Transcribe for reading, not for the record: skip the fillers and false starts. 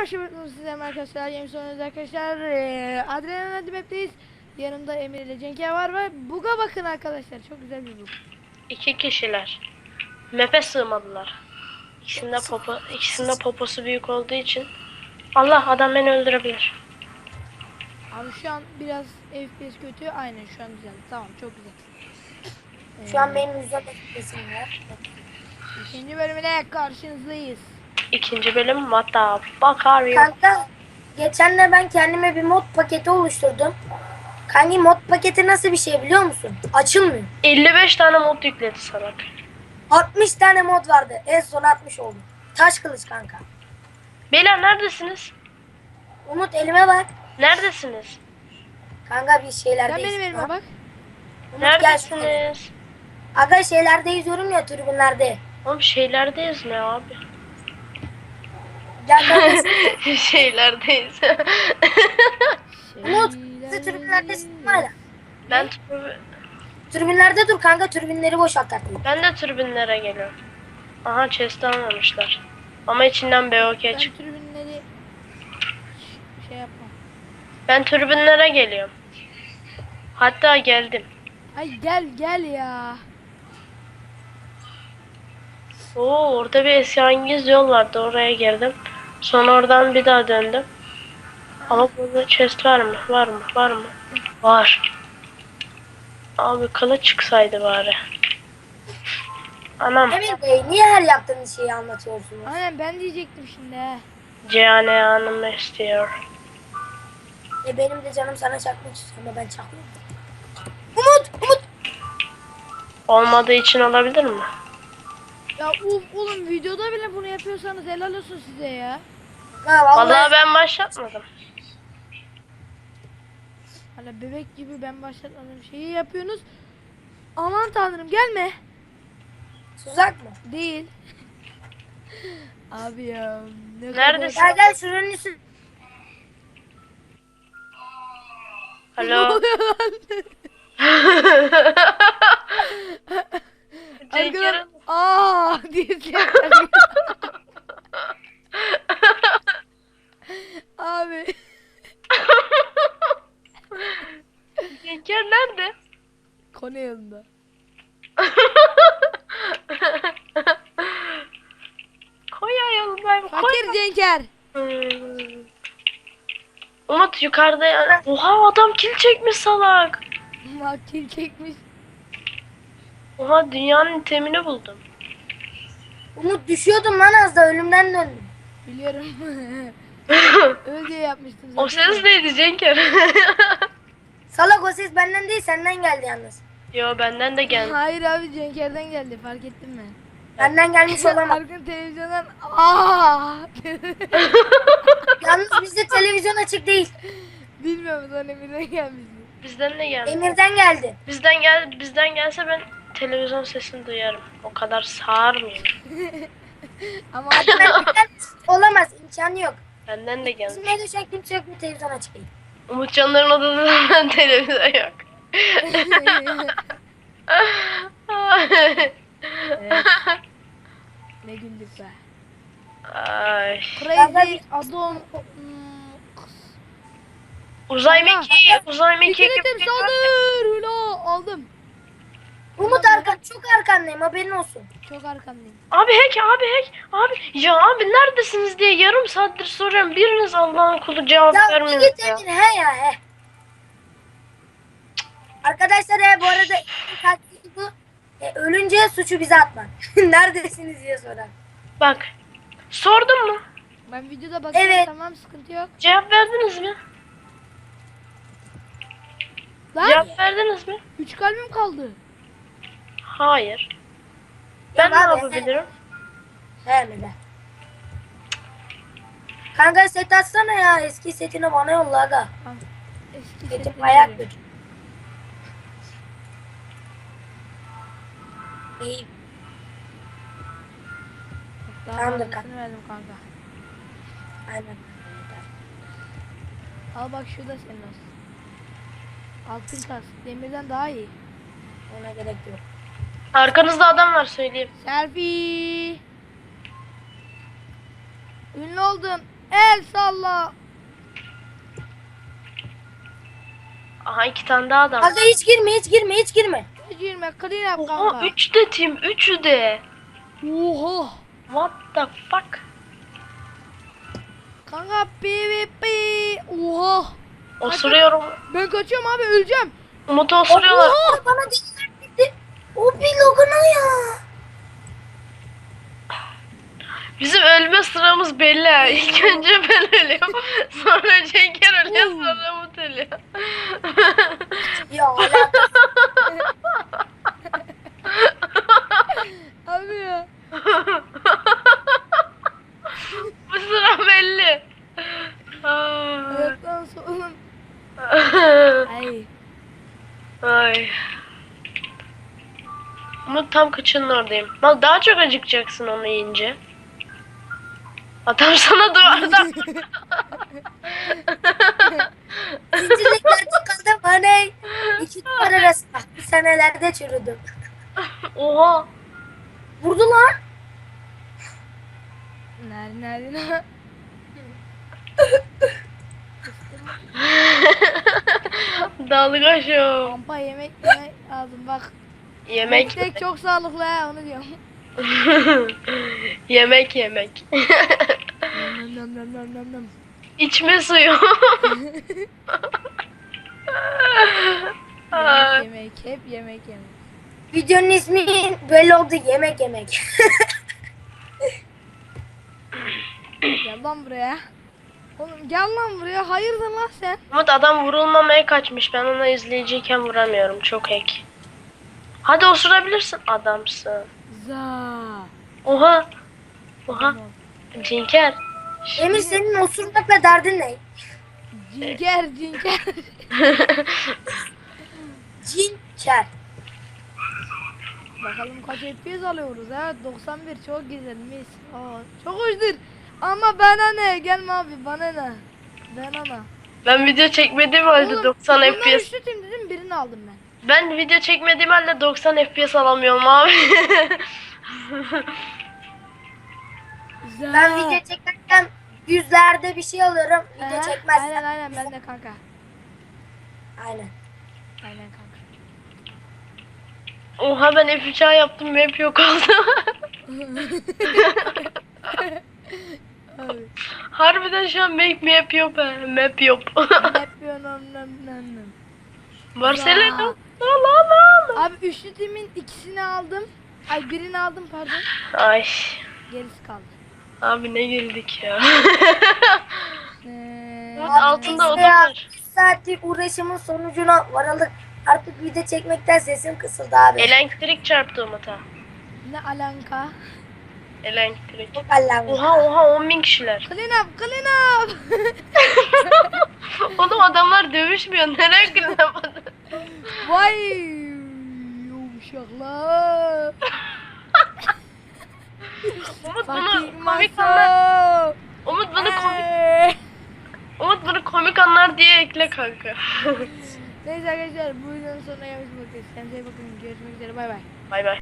Şimdi size arkadaşlar yeni sonunda arkadaşlar Adrenalin Map'teyiz. Yanımda Emir ile Cenker var ve buga bakın arkadaşlar, çok güzel bir bug. 2 kişiler. Map'e sığmadılar. İkisinde poposu büyük olduğu için. Allah, adam beni öldürebilir. Abi şu an biraz FPS kötü, aynen şu an güzel, tamam, çok güzel. Şu an benim yüzden etkilesim var. İkinci bölümüne karşınızdayız. İkinci bölüm hatta bakarıyor. Kanka geçen de ben kendime bir mod paketi oluşturdum. Kanka mod paketi nasıl bir şey biliyor musun? Açılmıyor. 55 tane mod yükledi salak. 60 tane mod vardı. En son 60 oldu. Taş kılıç kanka. Beyler neredesiniz? Umut elime bak. Neredesiniz? Kanka bir Sen şeylerdeyiz. benim elime bak. Umut gel şuraya. Neredesiniz? Aga şeylerdeyiz diyorum ya, tribünlerde. Oğlum şeylerdeyiz ne abi? Gel kardeşim. Şeylerdeyiz. Umut siz tribünlerdesin hala. Tribünlerde dur kanka, tribünleri boşalt artık. Ben de tribünlere geliyorum. Aha, chest almamışlar. Ama içinden BOK Ben çık. tribünleri şey yapmam. Ben tribünlere geliyorum. Hatta geldim. Ay gel ya. Oo, orada bir esrarengiz yol vardı, oraya girdim. Sonra oradan bir daha döndüm. Ama burada chest var mı? Var mı? Var mı? Var. Abi kılıç çıksaydı bari. Anam. Emir Bey niye her yaptığınız şeyi anlatıyorsunuz? Aynen ben diyecektim şimdi he. Cihane Hanım istiyor. Benim de canım sana çakmak istiyor ama ben çakmıyorum. Umut! Olmadığı için olabilir mi? Ya oğlum videoda bile bunu yapıyorsanız helal olsun size ya. Ha Vallahi ben başlatmadım. Hala bebek gibi ben başlatmadığım şeyi yapıyorsunuz. Aman tanrım gelme. Tuzak mı? Değil. Abi ya. Ne Neredesin? Gel şuranın üstü. Alo. Arkadan diye sesler. Abi. Cenker nerede? Konu yanında. Koy ayağım. Fakir Cenker. Umut yukarıda ya. Oha, adam kill çekmiş salak. Makil çekmiş. Oha, dünyanın itemini buldum. Umut düşüyordum lan, az da ölümden döndüm. Biliyorum. Öyle diye yapmıştım zaten. O ses neydi Cenker? Salak, o ses benden değil senden geldi yalnız. Yo, benden de geldi. Hayır abi Cenker'den geldi, fark ettin mi? Benden gelmiş olamaz. Arkan televizyondan Yalnız bizde televizyon açık değil. bilmiyorum, sonra Emir'den gelmişti. Bizden de geldi. Emir'den geldi. Bizden gelse ben televizyon sesini duyarım. O kadar sağırmıyor. Ama Benden olamaz, imkanı yok. Benden de geldi. Bizim evde şu an kimse yok mu, televizyon açık değil. Umutcanların odasında televizyon yok. evet. Ne güldük be. Ay. Crazy Adam Uzay Kanka. mekiği. Uzay mekiği. İkilitim saldır. Hula aldım. Umut çok arkandayım, haberin olsun. Çok arkandayım. Abi abi ya abi neredesiniz diye yarım saattir soruyorum, biriniz Allah'ın kulu cevap Ya vermiyor git ya. Emir, he ya he. Arkadaşlar bu arada taktiği bu. Ölünce suçu bize atmak. Neredesiniz diye sorar. Bak, sordum mu? Ben videoda bakıyorum, Evet. tamam, sıkıntı yok. Cevap verdiniz mi? Lan Cevap verdiniz mi? 3 kalbim kaldı. Hayır. Ben ne abi, yapabilirim? He mi de. Kanka set atsana ya, eski setini bana yolla aga. Tamam. Eski Setim setleri ayak veriyorum. kötü. İyi. Daha Tamamdır fazlasını verdim kanka. Aynen. Al bak, şu da senin olsun. Altın kas. Demirden daha iyi. Ona gerek yok. Arkanızda adam var, söyleyeyim. Selfie. Ünlü oldum. El salla. Aha 2 tane daha adam. Kanka hiç girme hiç girme hiç girme. Girme clean up Oha kanka. 3 de team 3'ü de. Oha. What the fuck? Kanka PvP. Oha. Osuruyorum. Ben kaçıyorum abi öleceğim. Umut'u osuruyorlar. Oha bana gitti. O bir loguna ya. Bizim ölme sıramız belli ha. İlk önce ben ölüyorum. Sonra Cenker ölüyor. Sonra Umut ölüyor. Ya alakası. Abi ya. Bu sıra belli. Aa. Hayattan sonra. Ay. Ay. Umut tam kıçının oradayım. Bak daha çok acıkacaksın onu yiyince. Adam sana duvardan. Zincirliklerde kaldım hani. İki duvar arasında. Bir senelerde çürüdüm. Oha. Vurdu lan. Nerede? Dalga şu. Kampa yemek lazım bak. Yemek. Tek çok sağlıklı ha onu diyorum. Yemek. Nam. İçme suyu. Ay. Yemek hep yemek. Videonun ismi belli oldu. Yemek yemek. Gel lan buraya. Oğlum gel lan buraya. Hayırdır lan sen? Umut adam vurulmamaya kaçmış. Ben ona izleyiciyken vuramıyorum. Çok hack. Hadi osurabilirsin. Adamsın. Za. Oha. Oha. Cinker. Emir senin osurmakla derdin ne? Cinker. Cinker. Bakalım kaç FPS alıyoruz ha? 91 çok güzel mis. Aa, çok hoşdur. Ama bana ne? Gelme abi bana ne? Bana ne? Ben video çekmediğim halde 90 bunlar FPS. üçlü tim dedim birini aldım ben. Ben video çekmediğim halde 90 FPS alamıyorum abi. Za. Ben video çekerken yüzlerde bir şey alıyorum. Video Aha, çekmezsem. Aynen ben de kanka. Aynen. Aynen kanka. Oha ben F3A yaptım map yok oldu. Abi. Harbiden şu an map yok ha. Map yok. Yapıyorum nam. Barcelona. Ya. La. Abi üçlü timin ikisini aldım. Ay birini aldım pardon. Ay. Gerisi kaldı. Abi ne güldük ya. Ee, Altında oda Ya, var. 3 saatlik uğraşımın sonucuna varalım. Artık video çekmekten sesim kısıldı abi. Elektrik çarptı Umut'a. ne alanka? Elektrik. Çok Allah'ım. Oha 10.000 kişiler. Clean up. Oğlum adamlar dövüşmüyor. Nereye kırılamadı? Vay yumuşaklar. Umut Fakir bunu komik anlar. masa. Umut bunu komik anlar diye ekle kanka. Neyse arkadaşlar bu videonun sonuna gelmiş bakıyoruz. Kendinize iyi bakın. Görüşmek üzere bay bay. Bay bay.